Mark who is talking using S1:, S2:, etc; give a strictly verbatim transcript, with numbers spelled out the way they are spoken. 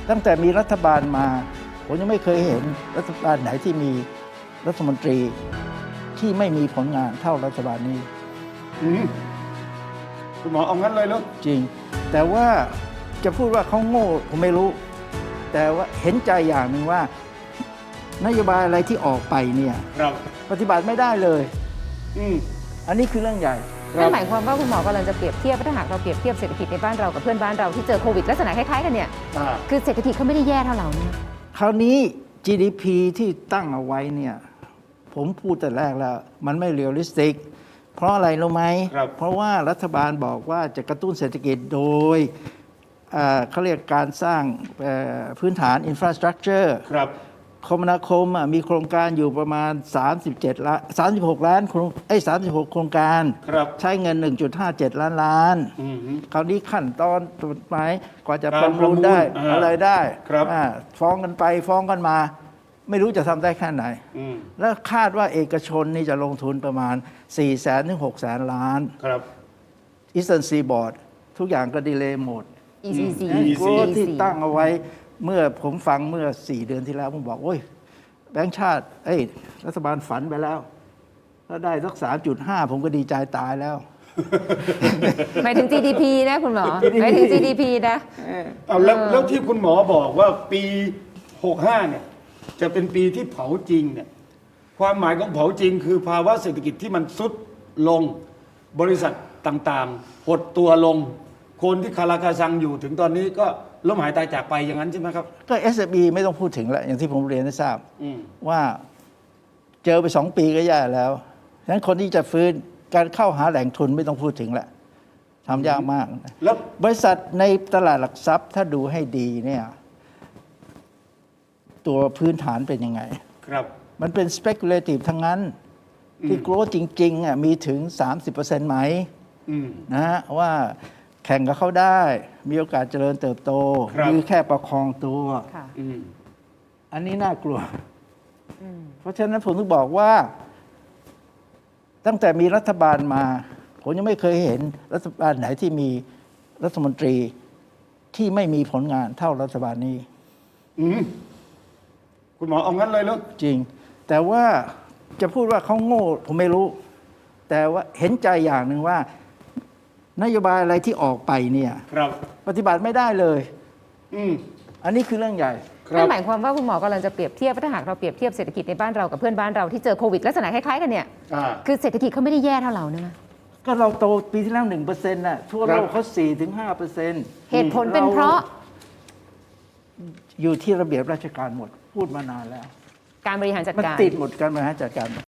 S1: ตั้งแต่มีรัฐบาลมา ผมยังไม่เคยเห็นรัฐบาลไหนที่มีรัฐมนตรีที่ไม่มีผลงานเท่ารัฐบาลนี้
S2: อืมคุณหมอเอางั้นเลยเหรอ
S1: จริง แต่ว่าจะพูดว่าเขาโง่ผมไม่รู้ แต่ว่าเห็นใจอย่างหนึ่งว่านโยบายอะไรที่ออกไปเนี่ย
S2: ครับ
S1: ปฏิบัติไม่ได้เลย
S2: อืม
S1: อันนี้คือเรื่องใหญ่
S3: นั่นหมายความว่าคุณหมอกำลังจะเปรียบเทียบถ้าหากเราเปรียบเทียบเศรษฐกิจในบ้านเรากับเพื่อนบ้านเราที่เจอโควิดลักษณะคล้ายๆกันเนี่ย
S2: อ่า
S3: คือเศรษฐกิจเขาไม่ได้แย่เท่าเราเนี่ย
S1: คราวนี้ จี ดี พี ที่ตั้งเอาไว้เนี่ยผมพูดแต่แรกแล้ว มันไม่เรียลลิสติก เพราะอะไรรู้ไหม
S2: ครับ
S1: เพราะว่ารัฐบาลบอกว่าจะกระตุ้นเศรษฐกิจโดยเอ่อเขาเรียกการสร้างเอ่อพื้นฐานอินฟราสตรักเจอร์
S2: ครับ
S1: คมนาคมอ่ะมีโครงการอยู่ประมาณ สามสิบเจ็ด ล้าน สามสิบหก ล้านโครงเอ้ย36 โครงการ
S2: ครับ
S1: ใช้เงิน หนึ่งจุดห้าเจ็ด ล้านล้าน
S2: อืม
S1: คราวนี้ขั้นตอนกฎหมายกว่าจะ
S2: การ
S1: ประมูลได้
S2: ประมูลอ่า
S1: อะไรได้
S2: ครับ
S1: อ่าฟ้องกันไปฟ้องกันมา ไม่รู้จะทำได้แค่ไหน
S2: อืม
S1: แล้วคาดว่าเอกชนนี่จะลงทุนประมาณ สี่แสนถึงหกแสน ล้าน
S2: ครับ
S1: อีสเทิร์นซีบอร์ดทุกอย่างก็ดีเลย์หมด
S3: อี ซี ซี
S2: อืม
S1: โกที่ตั้งเอาไว้เมื่อผมฟังเมื่อ สี่ เดือนที่แล้วผมบอกโอ้ยแบงค์ชาติเอ้ยรัฐบาลฝันไปแล้วถ้าได้สัก สามจุดห้า ผมก็ดีใจตายแล้ว
S3: หมายถึง จี ดี พี นะคุณหมอหมายถึง จี ดี พี นะ
S2: เอาแล้วแล้วที่คุณหมอบอกว่าปีหกห้าเนี่ย จะเป็นปีที่เผาจริงเนี่ย ความหมายของเผาจริง คือภาวะเศรษฐกิจที่มันซุดลง บริษัทต่างๆ หดตัวลง คนที่คาราคาซังอยู่ถึงตอนนี้ก็ล้มหายตายจากไปอย่างนั้นใช่ไหมครับ
S1: ก็ เอส เอ็ม อี ไม่ต้องพูดถึงแล้ว อย่างที่ผมเรียนให้ทราบ
S2: อืม
S1: ว่าเจอไปสองปีก็แย่แล้วฉะนั้นคนที่จะฟื้นการเข้าหาแหล่งทุนไม่ต้องพูดถึงแล้วทำยากมาก
S2: แล้ว
S1: บริษัทในตลาดหลักทรัพย์ถ้าดูให้ดีเนี่ยตัวพื้นฐานเป็นยังไง
S2: ครับ
S1: มันเป็น speculative ทั้งนั้น ที่ growth จริงๆอ่ะมีถึง สามสิบเปอร์เซ็นต์ ไหม
S2: อืม
S1: นะฮะว่าแข่งกับเขาได้ มีโอกาสเจริญเติบโต
S2: ครับ
S1: หรือแค่ประคองตัว
S3: ค่ะ
S2: อืม
S1: อันนี้น่ากลัว เพราะฉะนั้นผมถึงบอกว่า ตั้งแต่มีรัฐบาลมา ผมยังไม่เคยเห็นรัฐบาลไหนที่มีรัฐมนตรีที่ไม่มีผลงานเท่ารัฐบาลนี้
S2: อืม คุณหมอเอางั้นเลยเหรอ
S1: จริง แต่ว่าจะพูดว่าเขาโง่ผมไม่รู้ แต่ว่าเห็นใจอย่างหนึ่งว่า นโยบายอะไรที่ออกไปเนี่ย
S2: ครับ
S1: ปฏิบัติไม่ได้เลย
S2: อืม
S1: อันนี้คือเรื่องใหญ่
S2: ครั
S3: นั่
S2: บ
S3: นหมายความว่าคุณหมอกำลังจะเปรียบเทียบถ้าหากเราเปรียบเทียบเศรษฐกิจในบ้านเรากับเพื่อนบ้านเราที่เจอโควิดลักษณะคล้ายๆกันเนี่ย
S2: อ่า
S3: คือเศรษฐกิจเขาไม่ได้แย่เท่าเราเนี่ยนะ
S1: ก็เราโตปีที่แล้วหนึ่งเปอร์เซ็นต์น่ะทั่วโล
S2: ครั
S1: ก
S2: บ
S1: เขาสี่ถึงห้าเปอร์เซ็นต์
S3: เหตุผลเป็นเพราะ
S1: อยู่ที่ระเบียบราชการหมด พูดมานานแล้ว
S3: การบริหารจัด
S1: มัน
S3: การ
S1: ติดหมดการบริหารจัดการหมด